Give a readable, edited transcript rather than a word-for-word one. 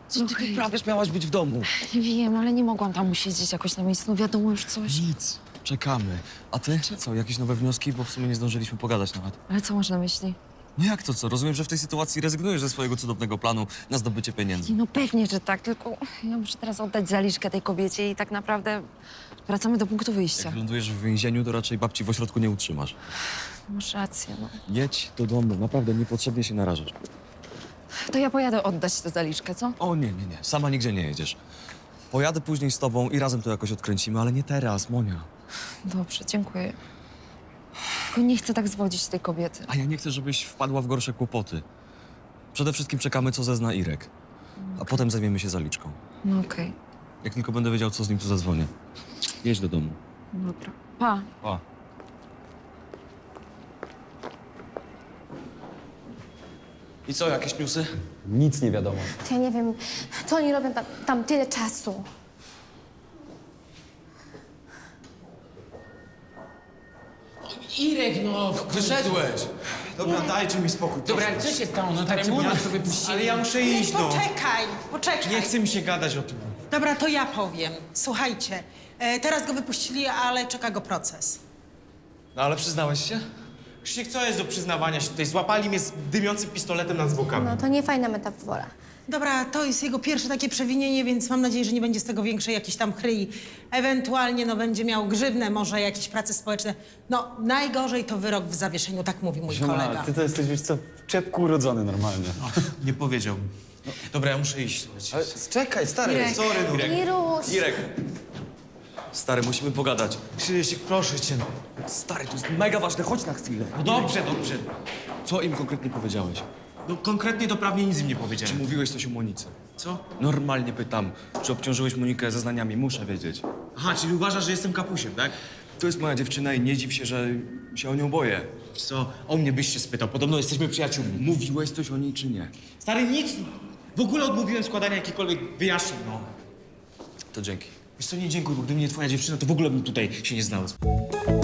Co ty wyprawiasz? Miałaś być w domu. Wiem, ale nie mogłam tam usiedzieć jakoś na miejscu. No wiadomo już coś. Nic. Czekamy. A ty? Co, jakieś nowe wnioski? Bo w sumie nie zdążyliśmy pogadać nawet. Ale co masz na myśli? No jak to co? Rozumiem, że w tej sytuacji rezygnujesz ze swojego cudownego planu na zdobycie pieniędzy. Nie, no pewnie, że tak, tylko ja muszę teraz oddać zaliczkę tej kobiecie i tak naprawdę wracamy do punktu wyjścia. Jak lądujesz w więzieniu, to raczej babci w ośrodku nie utrzymasz. Masz rację, no. Jedź do domu. Naprawdę niepotrzebnie się narażasz. To ja pojadę oddać tę zaliczkę, co? O nie. Sama nigdzie nie jedziesz. Pojadę później z tobą i razem to jakoś odkręcimy, ale nie teraz, Monia. Dobrze, dziękuję. Tylko nie chcę tak zwodzić tej kobiety. A ja nie chcę, żebyś wpadła w gorsze kłopoty. Przede wszystkim czekamy, co zezna Irek. A potem zajmiemy się zaliczką. No okej, Jak tylko będę wiedział, co z nim, to zadzwonię. Jedź do domu. dobra. Pa. Pa. I co, jakieś newsy? Nic nie wiadomo. Ja nie wiem, co oni robią tam tyle czasu. Irek, no, wyszedłeś. Dobra, dajcie mi spokój. Dobra, ale co się stało? No tak remont sobie puścili. Ale ja muszę iść, no. Poczekaj. Nie chce mi się gadać o tym. Dobra, to ja powiem. Słuchajcie, teraz go wypuścili, ale czeka go proces. No ale przyznałeś się? Krzysiek, co jest do przyznawania się tutaj? Złapali mnie z dymiącym pistoletem nad zwłokami. No to nie fajna metafora. Dobra, to jest jego pierwsze takie przewinienie, więc mam nadzieję, że nie będzie z tego większej jakiejś tam chryi. Ewentualnie, no, będzie miał grzywnę, może jakieś prace społeczne. No, najgorzej to wyrok w zawieszeniu, tak mówi mój kolega. Ty to jesteś, wiesz co, w czepku urodzony normalnie. Nie powiedziałbym. Dobra, ja muszę iść, słuchajcie. Ale czekaj, stary. Sorry, no. Iruś! Irek! Stary, musimy pogadać. Krzysiek, proszę cię. Stary, to jest mega ważne, chodź na chwilę. No dobrze. Co im konkretnie powiedziałeś? No konkretnie to prawie nic im nie Czy powiedziałem. mówiłeś coś o Monice? Co? Normalnie pytam, czy obciążyłeś Monikę zeznaniami? Muszę wiedzieć. Aha, czyli uważasz, że jestem kapusiem, tak? To jest moja dziewczyna i nie dziw się, że się o nią boję. Co? O mnie byś się spytał. Podobno jesteśmy przyjaciółmi. Mówiłeś coś o niej, czy nie? Stary, nic. W ogóle odmówiłem składania jakichkolwiek wyjaśnień, no. To dzięki. Wiesz co, nie dziękuję, bo gdyby nie twoja dziewczyna, to w ogóle bym tutaj się nie znalazł.